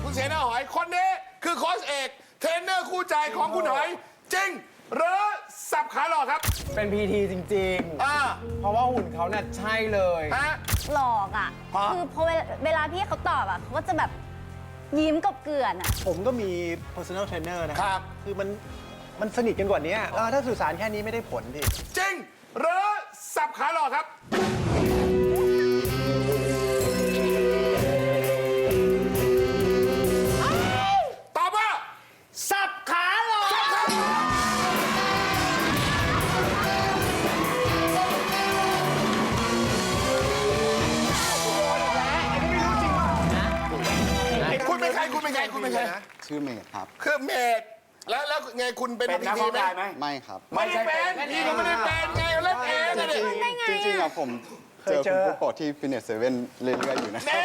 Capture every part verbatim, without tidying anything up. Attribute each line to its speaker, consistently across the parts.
Speaker 1: คุณเสนาหอยคนนี้คือโค้ชเอกเทรนเนอร์คู่ใจของคุณหอยจริงหรือสับขาหลอกครับ
Speaker 2: เป็นพีทีจริงๆอ่าเพราะว่าหุ่นเขาเนี่ยใช่เลย
Speaker 1: ฮะ
Speaker 3: หลอกอ่ะคือพอเวลาพี่เขาตอบอ่ะเขาก็จะแบบยิ้มกบเกลื่อนอ่ะ
Speaker 4: ผมก็มี personal trainer นะครับคือมันมันสนิทกันกว่านี้ถ้าสื่อสารแค่นี้ไม่ได้ผลดิ
Speaker 1: จริงหรือสับขาหลอกครับตอบว่า
Speaker 2: สับขาหลอก
Speaker 1: คุณเป็นใครคุณเป็นใครคุณเป็นใคร
Speaker 5: ชื่อเมดครับ
Speaker 1: คือเมดแล้วแล้วไงคุณเป็น
Speaker 6: นักร้องได้ไหม
Speaker 5: ไม่ครับ
Speaker 1: ไม่ได้เป็นพี่ก็ไม่ได้เป็นไงเล่นเอง
Speaker 5: จริงจริงอะผมเจอคุณปุ๊กโกะที่ฟิตเนสเซเว่นเรื่อยๆอยู่นะ
Speaker 1: เน่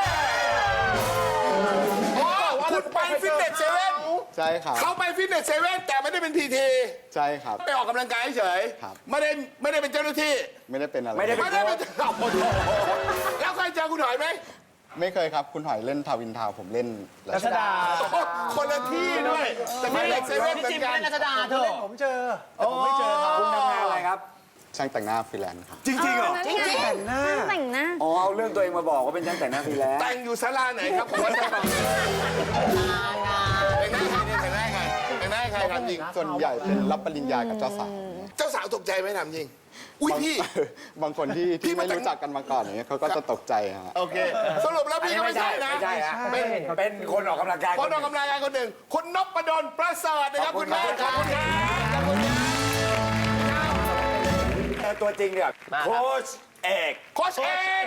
Speaker 1: โอ้คุณไปฟิตเนสเซเว่น
Speaker 5: ใช่ครับ
Speaker 1: เขาไปฟิตเนสเซเว่นแต่ไม่ได้เป็นพีที
Speaker 5: ใช่ครับ
Speaker 1: ไปออกกำลังกายเฉยไม่ได้ไม่ได้เป็นเจ้าหน้าที่
Speaker 5: ไม่ได้เป็นอะไร
Speaker 1: ไม่ได้เป็นแล้วเคยเจอคุณหอยไหม
Speaker 5: ไม่เคยครับคุณหอยเล่นทาวินทาวผมเล่น
Speaker 2: รัชดา
Speaker 1: คนละที่ด้วยแต่ไม่เล็กเซเว่นเหมือนกัน
Speaker 2: รัชดาเถอะ
Speaker 4: ผมเจอแต่ผมไม่เจอเขา
Speaker 6: คุณทำงานอะไรครับ
Speaker 5: ช่างแต่งหน้าฟรีแลนซ์ครับ
Speaker 6: จริงๆเหรอ
Speaker 3: จริงๆแต่งหน้าแต่งหน้า
Speaker 6: อ๋อเอาเรื่องตัวเองมาบอกว่าเป็นช่างแต่งหน้าฟรีแลนซ์
Speaker 1: แต่งอยู่ศาลาไหนครับผมว่าจะบอกแต่งหน้าใครเนี่ยแต่งหน้าใครแต่งหน้าใครครับจริง
Speaker 5: ส่วนใหญ่เป็นรับปริญญากับเจ้าสาว
Speaker 1: เจ้าสาวตกใจไหมถามจริงอุ้ยพี่
Speaker 5: บางคนที่ที่ไม่รู้จักกันมาก่อนอย่างเงี้ยเขาก็จะตกใจฮะ
Speaker 1: โอเคสรุปแล้วพี่ก็ไม่ใช่นะ
Speaker 6: ไม่ใช่ฮะเป็นเป็นคนออกกำลังกาย
Speaker 1: คนออกกำลังกายคนหนึ่งคุณนพดลประเสริฐนะครับคุณแม่ขอบคุณครับขอบคุณ
Speaker 6: ครับตัวจริงเนี่ยโค้ชเอก
Speaker 1: โค้ชเอก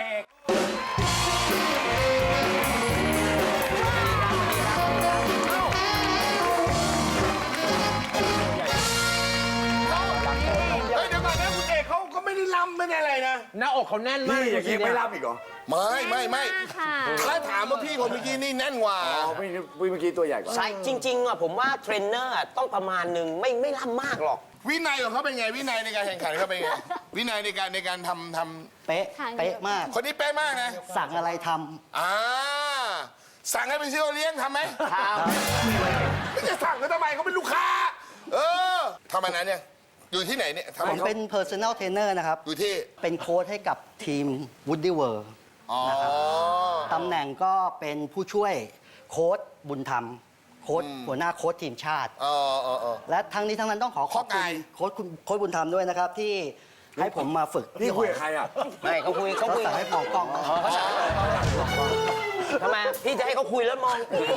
Speaker 1: ไม่ได้ล้ำไม่ได้อะไรนะ
Speaker 2: หน้าอกเขาแน่นมาก
Speaker 6: พี่อย่างนี้ไม่ล้ำอีกเหรอ
Speaker 1: ไม่ไม่ไม่ถ้าถามว่าพี่คนเมื่อกี้นี่แน่นกว่า
Speaker 6: อ๋อพี่เมื่อกี้ตัวใหญ่กว่า
Speaker 7: ใช่จริงๆอ่ะผมว่าเทรนเนอร์ต้องประมาณหนึ่งไม่ไม่ล้ำมากหรอก
Speaker 1: วินัยของเขาเป็นไงวินัยในการแข่งขันเขาเป็นไงวินัยในการในการทำท
Speaker 8: ำเป๊ะเป๊ะมาก
Speaker 1: คนนี้เป๊ะมากนะ
Speaker 8: สั่งอะไรท
Speaker 1: ำอ่าสั่งให้ไปซื้อเลี้ยงทำไหมทำไม่จะสั่งเขาทำไมเขาเป็นลูกค้าเออทำมานานเนี่ยอยู่ที่ไหนเนี่ย
Speaker 8: ผมเป็น personal trainer นะครับ
Speaker 1: อยู่ที่
Speaker 8: เป็นโค้ชให้กับทีม Woody World นะครับตำแหน่งก็เป็นผู้ช่วยโค้ชบุญธรรมโค้ชหัวหน้าโค้ชทีมชาติและทั้งนี้ทั้งนั้นต้องขอขอบคุณโค้ชคุณโค้ชบุญธรรมด้วยนะครับที่ให้ผมมาฝึก
Speaker 6: นี่คุยกับใครอ่ะ
Speaker 7: ไม่เขาคุยเขาคุย
Speaker 8: ให้มองกล้อง
Speaker 7: เขาสั่งทำไมพี่จะให้เขาคุยแล้วมอง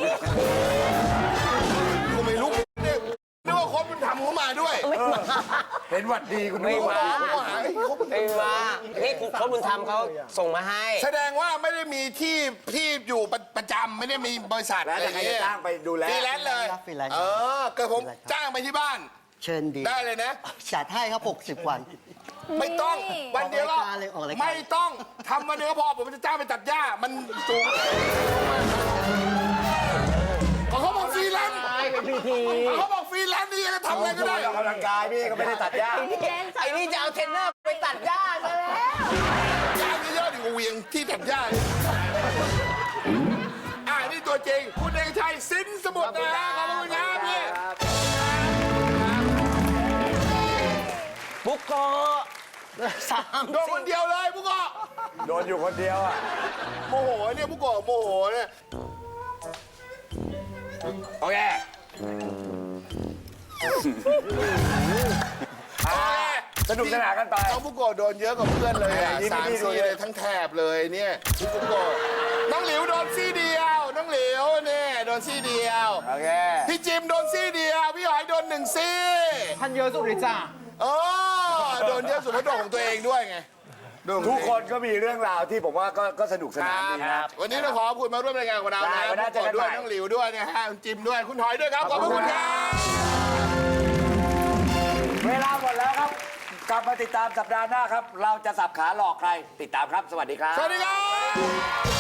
Speaker 1: กูไม่รู้เนี่ยนึกว่าโค้ชบุญธรรมเขามาด้วย
Speaker 6: เห็นวัดดีคุณ
Speaker 7: ไม่มาไม่มานี่โค้ชบุญธรรมเขาส่งมาให้
Speaker 1: แสดงว่าไม่ได้มีที่ที่อยู่ประจำไม่ได้มีบริษัท
Speaker 6: อะไรอย่างเงี้ยจ้างไปดูแล
Speaker 1: ฟรีแลนซ์เลยเออเกิดผมจ้างไปที่บ้าน
Speaker 8: เชิญดี
Speaker 1: ได้เลยนะ
Speaker 8: จัดให้ครับหกสิบวัน
Speaker 1: ไม่ต้องวันเดียวก็ไม่ต้องทำวันเดียวก็พอผมจะจ้างไปตัดหญ้ามันสูงเขาบอกฟรีแลนซ์เขาบอกฟรีแลนซ์นี่จะทำอะไรก็ได้
Speaker 6: ออกกำลังกายพี่ก็ไม่ได้ตัดหญ้า
Speaker 7: ไอ้นี่จะเอาเทรนเนอร์ไปตัดหญ้าซะแล้ว
Speaker 1: หญ้าเยอะๆดิกูเวียงที่ตัดหญ้าอ่านี่ตัวจริงคุณเอกชัยสินสมุทรนะขอบคุณครับพี่
Speaker 7: บุกโกสาม
Speaker 1: โดนคนเดียวเลยบุกโก
Speaker 6: โดนอยู่คนเดียวอ่ะ
Speaker 1: โมโหเนี่ยบุกโกโมโหเนี่ยโอเค
Speaker 6: สนุกสนานกันไป
Speaker 1: น้องบุกโกโดนเยอะกว่าเพื่อนเลยอ่ะสามซี่เลยทั้งแถบเลยเนี่ยพี่บุกโกน้องหลิวโดนซี่เดียวน้องหลิวเนี่ยโดนซี่เดียว
Speaker 6: โอเค
Speaker 1: พี่จิมโดนซี่เดียวพี่หอยโดนหนึ่งซี่
Speaker 2: ท่านเยอะสุดเลยจ้า
Speaker 1: เออโดนเยอะสุดเพราะโดนของตัวเองด้วยไง
Speaker 6: ทุกคนก็มีเรื่องราวที่ผมว่าก็สนุกสนานดีนะ
Speaker 1: วันนี้เราขอคุณมาร่วมรายการกับเรานะขอบคุณด้วยน้องหลิวด้วยนะฮะจิมด้วยคุณหอยด้วยครับขอบคุณครับ
Speaker 6: เวลาหมดแล้วครับกลับมาติดตามสัปดาห์หน้าครับเราจะสับขาหลอกใครติดตามครับสวัสดีครับ
Speaker 1: สวัสดีครับ